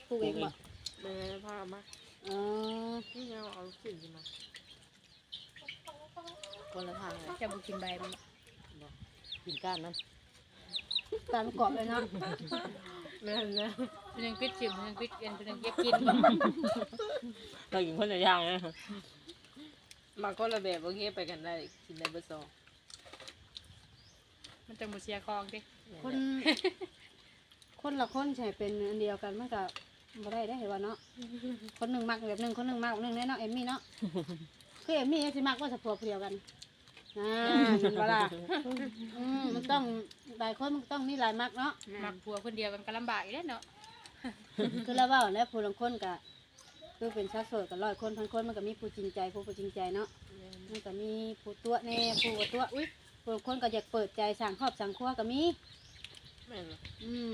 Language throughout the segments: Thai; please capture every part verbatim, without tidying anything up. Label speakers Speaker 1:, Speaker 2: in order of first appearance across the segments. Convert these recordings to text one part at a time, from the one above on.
Speaker 1: ปลูกเองบ่
Speaker 2: แม่พามา
Speaker 1: อ๋อ
Speaker 2: ที่เราเอาสิ่งมาคนละทางเลย
Speaker 3: จะบุกินใบมัน
Speaker 2: กินก้านนั้น
Speaker 1: ตามกรอบเลยเนาะ
Speaker 2: แม่แม่
Speaker 3: เป็นยังปิดจิ๋มเป็นยังปิดกันเป็นยังเก็บกิน
Speaker 2: เรากินคนละอย่างนะมาคนละแบบโอเคไปกันได้กินได้เบอร์สอง
Speaker 3: มันจะมุเสียคองดิ
Speaker 1: คนคนละคนใช่เป็นอันเดียวกันมันก็บ่ได้ได้เห็นว่าเนาะคนหนึ่งมักแบบหนึ่งคนหนึ่งมักแบบหนึ่งแน่เนาะเอมมี่เนาะคือเอมมี่สิมักว่าสะพวกเดียวกันอ่ามันเวลาอืมมันต้องหลายคนมันต้องมีหลายมักเนาะ
Speaker 3: หมักผัวคนเดียวกันก็ลำบากอีกแล้วเนาะ
Speaker 1: คือแล้วว่าแล้วผู้ลางคนก็คือเป็นชาวโสดกับร้อยคนพันคนมันก็มีผู้จริงใจผู้ผู้จริงใจเนาะมันก็มีผู้ตัวแน่ผู้บ่ตัวอุ้ยผู้ลางคนก็อยากเปิดใจสั่งครอบสั่งครัวก็มี
Speaker 2: แม่น
Speaker 1: อืม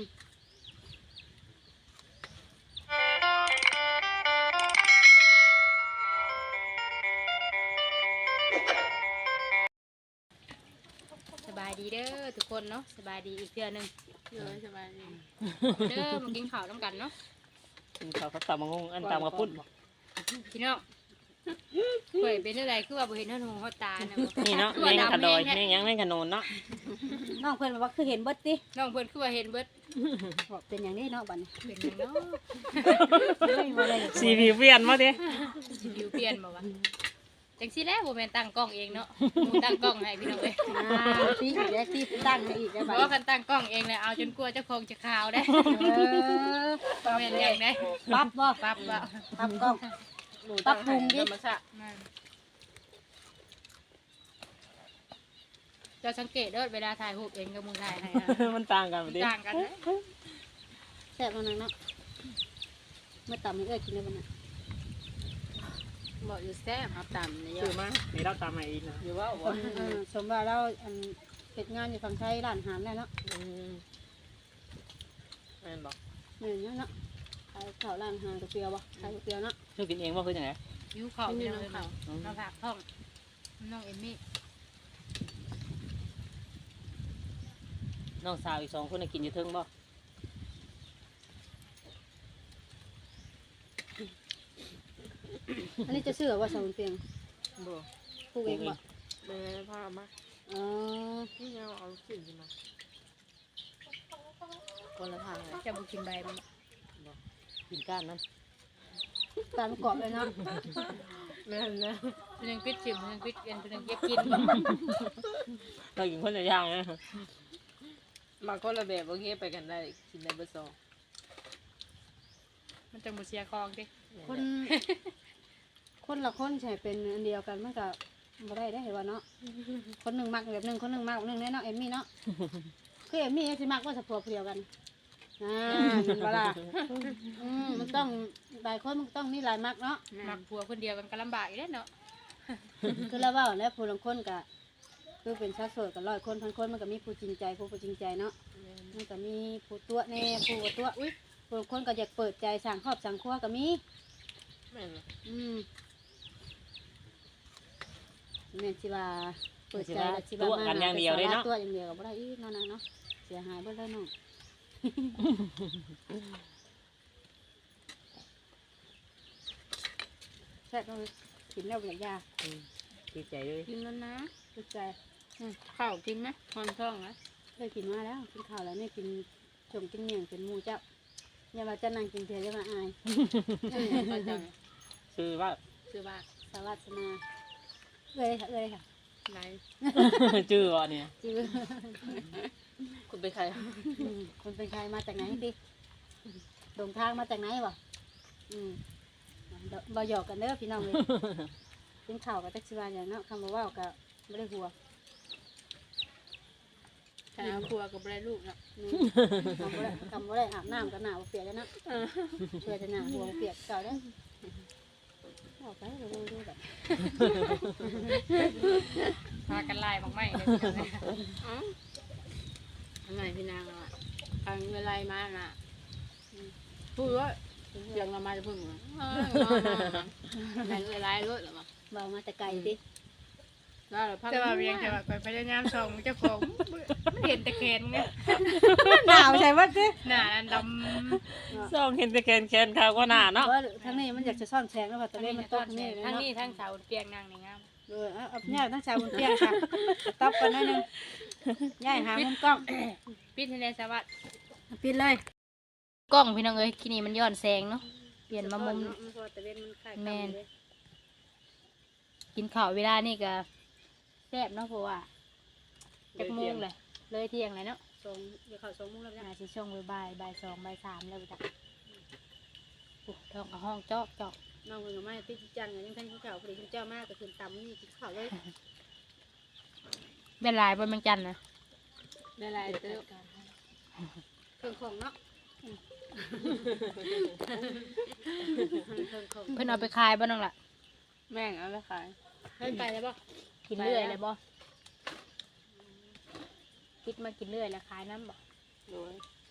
Speaker 3: สบายดีเด้อทุกคนเนาะสบายดีอีกเทื่อนึง
Speaker 2: เลยสบายดี
Speaker 3: เด้อมากินข้าวน้ำกันเนาะ
Speaker 2: กินข้าวกับตำมะงงอันตำกระปุ้น
Speaker 3: พี่น้องเปิดเป็นอะไรคือว่าบ่เห็นเท่าหูเขาตาเนาะ
Speaker 2: นี่เนาะแมงขะดอยแมงยังแมงขะโนนเนาะ
Speaker 1: น้องเพื่อนบอกว่าคือเห็นเบิดติ
Speaker 3: น้องเพิ่นคือว่าเห็นเบิด
Speaker 1: บอกเป็นอย่างนี้เนาะบัดนี้
Speaker 3: เป็นหยังเนาะ
Speaker 1: ไม่มาเลย
Speaker 2: สีผิวเปลี่ยนมาดิ
Speaker 3: สิวิวเปลี่ยนบ่วะจังซี่แหล้วบ่แม่นตั้งกล้องเองเนาะหมูตั้งกล้องให้พี่น้องเอ้ย
Speaker 1: อ่าที่อีกแล้วที่ตั้งอีกแล้ว
Speaker 3: เพ
Speaker 1: บัด
Speaker 3: ราะว่าคันตั้งกล้องเองเลยเอาจนกลัวเจ้าของจะข่าวได้
Speaker 1: เออ
Speaker 3: บ่แม่นอย่างได้
Speaker 1: ปั๊บบ่
Speaker 3: ปั๊บว่า
Speaker 1: ปั๊บกล้องปั๊บปรุงดิ
Speaker 3: นั่นเจ้าสังเกตเด้อเวลาถ่ายรูปเองกับมึงถ่ายให้อะ
Speaker 2: มันต่างกันดิ
Speaker 3: ต่างกันนะ
Speaker 1: แซ่บมันนังเนาะเมื่อต่ำให้เอ้ยกินได้บ่น่ะ
Speaker 3: บอกอยู่แซ่บครับตามนี่
Speaker 2: คือมานี่เราตามมาอีกนะอยู่ว่า
Speaker 1: คนเออสมว่าเราอันเฮ็ดงานอยู่ฝั่งไทยร้านอาหารแล้วเนาะ
Speaker 2: แม่นบอก
Speaker 1: เหมือนเนาะขายข้าวร้านอาหารก๋วยเตี๋ยวบ่ขายก๋วยเตี๋ยวเนาะ
Speaker 2: คือกินเองว่าคือยังไง
Speaker 3: ยิ้วเข่าพี่น้องเข่ามาผักท้องน้องเอมมี่
Speaker 2: น้องสาวอีกสองคนกินอยู่เทิงบ่
Speaker 1: อันนี้จะเชื่อว่าสมุนเปียง
Speaker 2: บ่
Speaker 1: ปลูกเองบ่
Speaker 2: แม่พามา
Speaker 1: อ๋อ
Speaker 2: ที่เราเอาสิ่งมาคนละทางเลย
Speaker 3: จะบุกินใบมัน
Speaker 2: กินก้านนั้น
Speaker 1: ตามกรอบเลยเนาะ
Speaker 2: แม่แม่
Speaker 3: เป็นยังปิดจิ๋มเป็นยังปิดกันเป็นยังเก็บกิน
Speaker 2: เรากินคนละอย่างนะมาคนละแบบโอเคไปกันได้กินได้เบอร์สอง
Speaker 3: มันจะมุเสียคองดิ
Speaker 1: คนคนละคนใช่เป็นอันเดียวกันมันก็บ่ได้ได้เห็นว่าเนาะคนหนึ่งมักแบบหนึ่งคนหนึ่งมักแบบหนึ่งแน่เนาะเอมมี่เนาะคือเอมมี่สิมักว่าสะพวกเดียวกันอ่ามันเวลาอืมมันต้องหลายคนมันต้องมีหลายมักเนาะ
Speaker 3: หมักผัวคนเดียวกันก็ลำบากอีกแล้วเนาะ
Speaker 1: คือแล้วว่าแล้วผู้ลางคนก็คือเป็นชาวโสดกับร้อยคนพันคนมันก็มีผู้จริงใจผู้ผู้จริงใจเนาะมันก็มีผู้ตัวแน่ผู้บ่ตัวอุ้ยผู้ลางคนก็อยากเปิดใจสั่งครอบสั่งครัวก็มี
Speaker 2: แม่น
Speaker 1: อืมแม่นสิว่าเปิดใจแล้วสิว่า
Speaker 2: ตัวกันอย่างเดียวเลยเนาะ
Speaker 1: ตัวอย่างเดียวก็บ่ได้อีกเนาะนางเนาะเสียหายเบิดเลยเนาะแซ่บเลยกินแล้วอยากยา
Speaker 2: ดีใจเลย
Speaker 3: กินแล้วนะ
Speaker 1: สุดใจ
Speaker 3: ข้าวกินไหมคอนท้องนะ
Speaker 1: เคยกินมาแล้วกินข้าวแล้วเนี่ยกินชมกินเมี่ยงเป็นหมูเจ้าอย่ามาจะนั่งกินเพียจะมาอาย
Speaker 2: คือว่า
Speaker 3: คือว่า
Speaker 1: สวัสนาเอ้ยค่ะเอ้ยค่ะ
Speaker 3: ไร
Speaker 2: ชื่อว่าเนี่ย
Speaker 1: จื้อ
Speaker 2: คุณเป็นใคร
Speaker 1: อืมคนเป็นใครมาจากไหนดิดงทางมาจากไหนวะอืมเดี๋ยวบ่หยอกกันเด้อพี่น้องเลยกินข้าวกับจักชิวาอย่างเนาะคำว่าว่าวกับไม่ได้หัว
Speaker 3: แต่เอาครัวกับไรลูกเนาะ
Speaker 1: อืมคำว่าได้คำว่าได้อาบน้ำกับหนาวเปียกแล้วเนาะเพื่อจะหนาหัวเปียกเก่าได้ออกไปเราดูดูแบบ
Speaker 3: พากันไล่บางไม่เลย
Speaker 4: ทำไมพี่นางอ่ะทางเวลามาน่ะพูดว่าเสียงเรามาจะพึ่งเหรอแม่งเวลารถหรอมั้ง
Speaker 1: เบามาแต่ไกลดิ
Speaker 2: ได้แล้วพัง
Speaker 3: แต่ว่าเวียงแต่ว่าก่อยพยายามส่องเจ้าของมันเห็นแต่แขนเนี่ย
Speaker 1: หนาวใช่ปะจิ
Speaker 3: หน้าอันด
Speaker 2: ส่องเห็นแต่แขนแขนขาวก็หนาเนาะ
Speaker 1: ว่าทั้งนี้มันอยากจะซ่อนแสงแล้วว่า
Speaker 3: ำ
Speaker 1: ตะเล่นมันตกนี่
Speaker 3: ทั้ง
Speaker 1: เนาะ
Speaker 3: นี้ทั้งเสาเปียงนางนี่งาม
Speaker 1: เออเอาเอาย่าทั้งชาวบนเตียงค่ะตบกันหน่อยหนึงย่ายหามุมกล้อง
Speaker 3: ปิดให้ในสวัสดิ์
Speaker 1: ปิดเลย
Speaker 3: กล้องพี่น้องเอ้ยที่นี่มันย้อนแสงเนาะเปลี่ยนมามุม
Speaker 1: ตะเล่นมันคล้าย
Speaker 3: แม่น กินข้าวเวลานี่ก็แซ่บเนาะเพราะว่าจักโมงเลยเลยเที่ยงเลยเนาะ
Speaker 1: สองเดี๋ยวเขาสองมุมแล้วจ้ะ
Speaker 3: น่าสิช่วงบ่ายบ่ายสองบ่ายสามแล้วจ้ะโอ้ท้องกับห้องจอกจอก
Speaker 1: น้องเพิ่นก็มาติดจันทร์ยังท่านผู้เจ้าพอดีคุณเจ้ามากก็ขึ้นตำนี่กินข้าวเลย
Speaker 3: เป็นลายบนเมืองจันทน์นะ
Speaker 2: ได้หลายเติบ
Speaker 1: เครื่องของเนาะเครื่องของ
Speaker 3: เพิ่นเอาไปขายบ้านน้องล่ะ
Speaker 2: แม่งเอาไปขาย
Speaker 1: เพิ่นไปแล้วบ่
Speaker 3: กินเรื่อยเลยบ่คิดมากินเรื่อยแล้วขายน้ำบ่
Speaker 2: โดย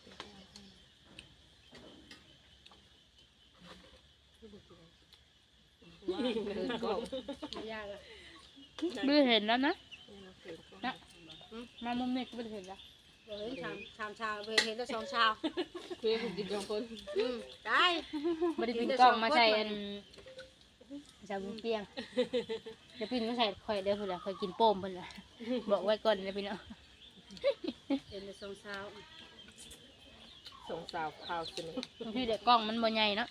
Speaker 1: ว่าเดินกล้องไม่ยากอะ
Speaker 3: ไม่ได้เห็นแล้วนะนะมามุมนี้ก็ไม่ได้เห็นแล้ว
Speaker 1: เฮ้ยชามชามชาวเห็นแต่สองชาว
Speaker 2: เพื่อนกินสองคน
Speaker 1: อืมได้
Speaker 3: ไม่ได้ปินกล้องมาใส่อันใส่บุ้งเปียงเดี๋ยวปินมาใส่ข่อยเด้อเพิ่นล่ะข่อยกินโป้มเพิ่นล่ะบอกไว้ก่อนนะพี่น้อง
Speaker 1: เห็นแต่สองชาว
Speaker 2: สองสาวข้าวสนิท
Speaker 3: บางทีเด็กกล้องมันบ่ใหญ่เนาะ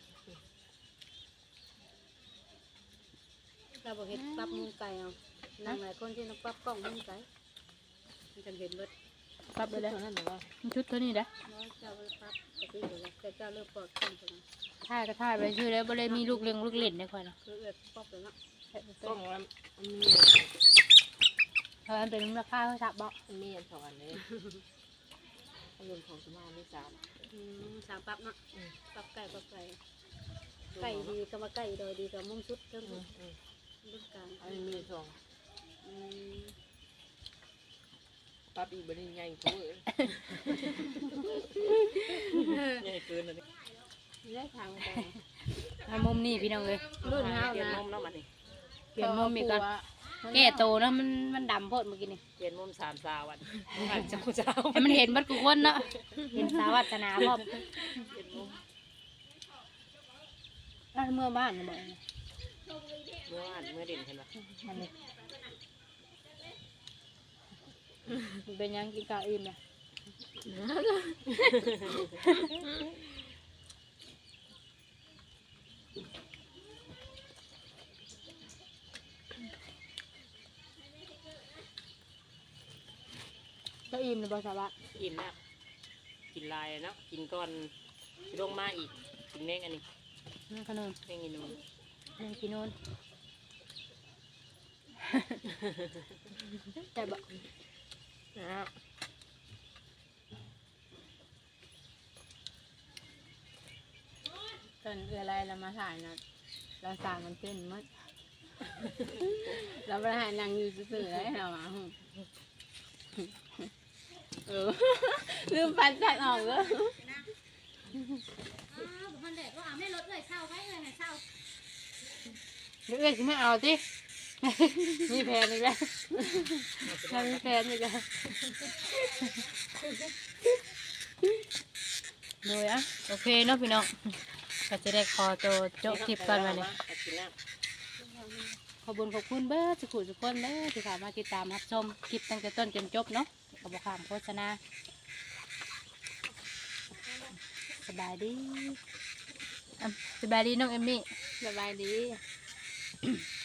Speaker 1: เราบอกเห็นปั๊บมุมไก่เอานั่งหลายคนที่นักปั๊บกล้องมุมไก่มันจะเห็นเบิด
Speaker 3: ปรับไปเลย
Speaker 2: เท่านั้นหรือว่า
Speaker 3: มันชุดเท่านี้เด้อ
Speaker 1: น้อยเจ้าเลยปั๊บปกติอยู่แล้วแต่เจ้าเลิกปลอดคนตัวนั้น
Speaker 3: ถ่ายก็ถ่ายไปชื่อแล้วบ่ได้มีลูกเลี้ยงลูกเล่นในข่อยเนาะ
Speaker 1: คือเอื้อป๊อกเลยเนาะ
Speaker 2: ต้องว่ามี
Speaker 3: เพราะมันเป็นราคาเท่าซับบ่
Speaker 2: มีอันสองอันนี้เงินของสมาไม่สาม
Speaker 1: อืมสามปั๊บเนาะปั๊บไก่ปั๊บไก่ไก่ดีก็มาไก่โดยดีกับมุมชุดเริ่มรุ่นกลาง
Speaker 2: อันนี้มีสอง
Speaker 1: อืม
Speaker 2: ปั๊บอีกบันนี้ใหญ่เขาเอ้ยใหญ่เกินอันนี้
Speaker 1: ได้ทางไป
Speaker 3: มามุมนี้พี่น้องเอ้ย
Speaker 1: รุ่นเฮา
Speaker 2: เปลี่ยน
Speaker 1: นะ
Speaker 2: มุมแล้วมันนี่
Speaker 3: เปลี่ยนมุมอีกก่อนแก้โตเนาะมันมันดำโพดเมื่อกี้นี่
Speaker 2: เปลี่ยนมุมสามสาวันเจ้าเจ้า
Speaker 3: ให้มันเห็นเบัดทุกคนเนาะเห็นสาวัฒนาพร้อม
Speaker 2: เปลี่ยนมุม
Speaker 3: อ่ะเมื่อบ้านน่ะบ่
Speaker 2: เมื่อวานเมื่อเด่นเห็นไหม
Speaker 3: อันนี้มันเป็นหยังกินข้าวอิ่มน่ะก็อิ่มเลยบ่สาระ
Speaker 2: อิ่มแล้วกินลายเนาะกินก่อนลงมาอีกกินเม้งอันนี้
Speaker 3: นั่นขนม
Speaker 2: เม้งอีนูน
Speaker 3: นั่นกินนู่นแต่บ่
Speaker 2: นะครับ
Speaker 4: ตอนเรืออะไรเรามาถ่ายนะเราสั่งมันเต้นมัดเราไปถ่ายนางอยู่ซื่อๆเลยเราอ่ะเออลืมปันจัดออกเลย
Speaker 1: มันเด็กว่าไม่ลดเลยเช่าไว้เลยเช่า
Speaker 3: เดี๋ยวเอ้ยสิไม่เอาสิมีแผนอีกแล้วถ้ามีแผนอีกแล้วโดยอ่ะโอเคเนาะพี่น้องก็จะได้ขอตัวจบคลิปกันมาเนี่ย
Speaker 2: กินแล้ว
Speaker 3: ขอบคุญขอบคุณเบิร์ดสุขุสุขคนเด้อที่สามารถติดตามรับชมคลิปตั้งแต่ต้นจนจบเนาะขอบคุณโฆษณาสบายดีอ่ะสบายดีน้องเอมมี่
Speaker 4: สบายดี